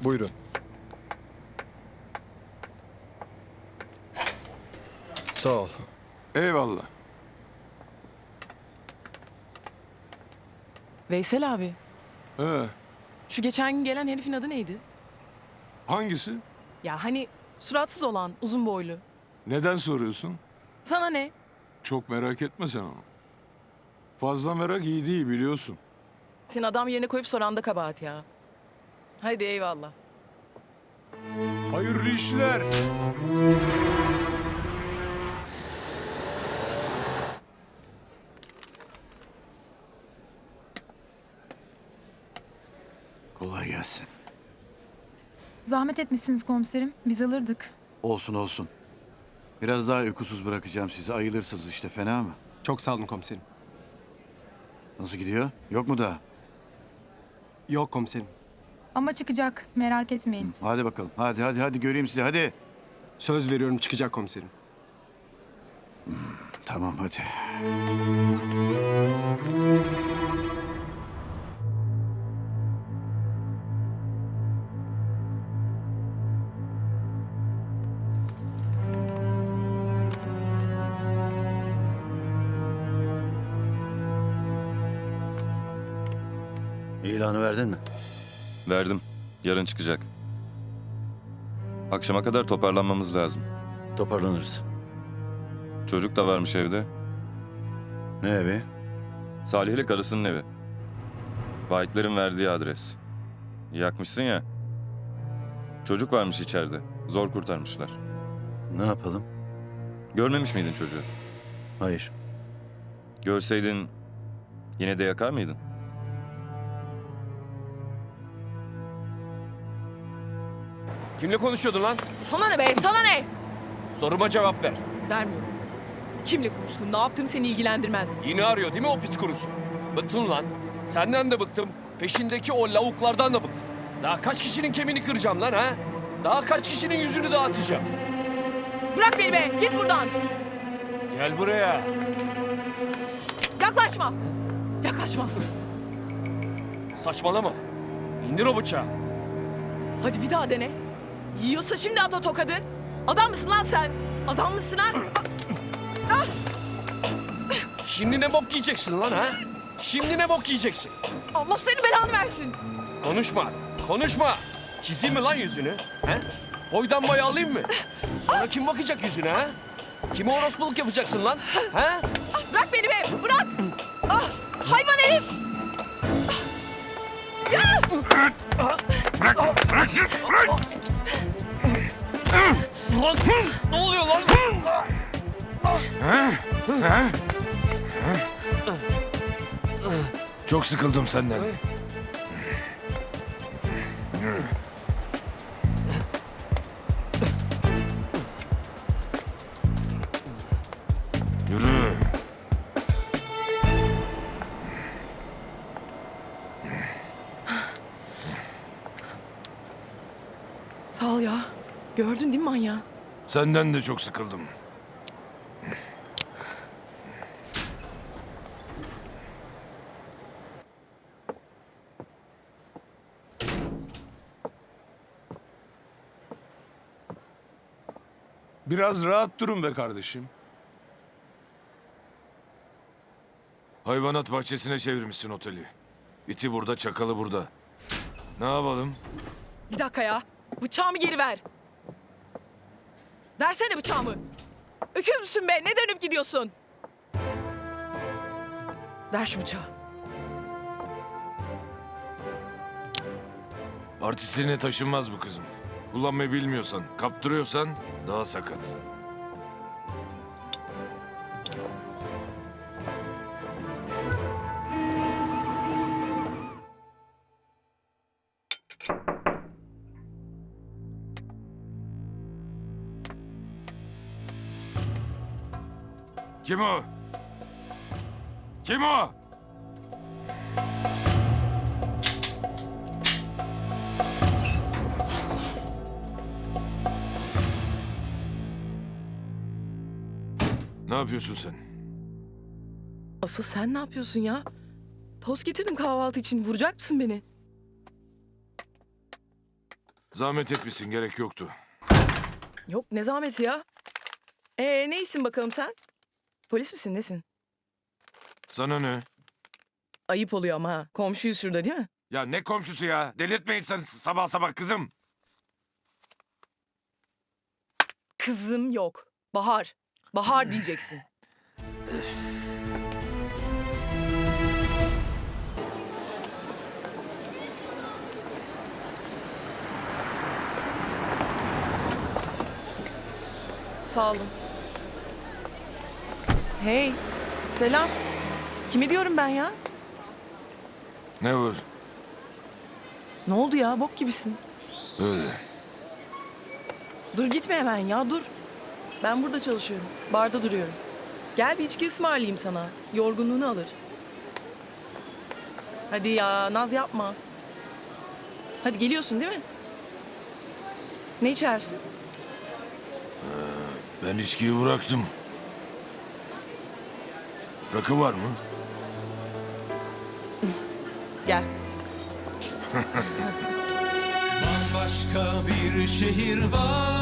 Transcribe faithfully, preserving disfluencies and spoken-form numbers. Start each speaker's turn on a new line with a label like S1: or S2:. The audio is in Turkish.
S1: Buyurun. Sağ ol.
S2: Eyvallah.
S3: Veysel abi,
S2: Ee,
S3: şu geçen gün gelen herifin adı neydi?
S2: hangisi?
S3: Ya hani suratsız olan, uzun boylu.
S2: Neden soruyorsun?
S3: Sana ne?
S2: Çok merak etme sen onu. Fazla merak iyi değil biliyorsun.
S3: Sen adam yerine koyup soran da kabahat ya. Haydi eyvallah.
S2: Hayırlı işler.
S4: Kolay gelsin.
S5: Zahmet etmişsiniz komiserim. Biz alırdık.
S4: Olsun olsun. Biraz daha uykusuz bırakacağım sizi. Ayılırsınız işte, fena mı?
S6: Çok sağ olun komiserim.
S4: Nasıl gidiyor? Yok mu daha?
S6: Yok komiserim.
S5: Ama çıkacak. Merak etmeyin.
S4: Hadi bakalım. Hadi hadi hadi göreyim sizi hadi.
S6: Söz veriyorum çıkacak komiserim.
S4: Tamam hadi.
S7: İlanı verdin mi?
S8: Verdim. Yarın çıkacak. Akşama kadar toparlanmamız lazım.
S7: Toparlanırız.
S8: Çocuk da varmış evde.
S7: Ne evi?
S8: Salih'le karısının evi. Vahitlerin verdiği adres. Yakmışsın ya. Çocuk varmış içeride. Zor kurtarmışlar.
S7: Ne yapalım?
S8: Görmemiş miydin çocuğu?
S7: Hayır.
S8: Görseydin yine de yakar mıydın?
S9: Kimle konuşuyordun lan?
S3: Sana ne be, sana ne?
S9: Soruma cevap ver.
S3: Vermiyorum. Kimle konuştun, ne yaptım seni ilgilendirmez.
S9: Yine arıyor değil mi o piç kurusu? Bıktın lan. Senden de bıktım. Peşindeki o lavuklardan da bıktım. Daha kaç kişinin kemiğini kıracağım lan ha? Daha kaç kişinin yüzünü dağıtacağım?
S3: Bırak beni be, git buradan.
S9: Gel buraya.
S3: Yaklaşma. Yaklaşma.
S9: Saçmalama. İndir o bıçağı.
S3: Hadi bir daha dene. Yiyorsa şimdi at o tokadı. Adam mısın lan sen? Adam mısın ha?
S9: Şimdi ne bok yiyeceksin lan ha? Şimdi ne bok yiyeceksin?
S3: Allah seni belanı versin.
S9: Konuşma. Konuşma. Çizeyim mi lan yüzünü? He? Boydan boy alayım mı? Sonra kim bakacak yüzüne ha? Kime orospuluk yapacaksın lan? He?
S3: Bırak beni be, bırak. Ah, hayvan herif. Ya!
S9: Lan ne oluyor lan?
S2: Çok sıkıldım senden. Yürü.
S3: Sağ ol ya. Gördün değil mi manyağı?
S2: Senden de çok sıkıldım. Biraz rahat durun be kardeşim. Hayvanat bahçesine çevirmişsin oteli. İti burada, çakalı burada. Ne yapalım?
S3: Bir dakika ya. Bıçağımı geri ver. Versene bıçağımı. Öküz müsün be? Ne dönüp gidiyorsun? Ver şu bıçağı.
S2: Artistliğine taşınmaz bu kızım. Kullanmayı bilmiyorsan, kaptırıyorsan daha sakat. Kim o? Kim o? Ne yapıyorsun sen?
S3: Asıl sen ne yapıyorsun ya? Tost getirdim kahvaltı için. Vuracak mısın beni?
S2: Zahmet etmişsin, gerek yoktu.
S3: Yok ne zahmeti ya. Ee neysin bakalım sen? Polis misin nesin?
S2: Sana ne?
S3: Ayıp oluyor ama ha. Komşuyuz şurada değil mi?
S2: Ya ne komşusu ya? Delirtme insanı sabah sabah kızım.
S3: Kızım yok. Bahar. Bahar diyeceksin. Sağ olun. Hey, selam. Kime diyorum ben ya?
S2: Ne var?
S3: Ne oldu ya? Bok gibisin.
S2: Öyle.
S3: Dur gitme hemen ya, dur. Ben burada çalışıyorum. Barda duruyorum. Gel bir içki ısmarlayayım sana. Yorgunluğunu alır. Hadi ya, naz yapma. Hadi geliyorsun değil mi? Ne içersin?
S2: Ben içkiyi bıraktım. Rakı var mı?
S3: Gel.
S1: Bambaşka bir şehir var.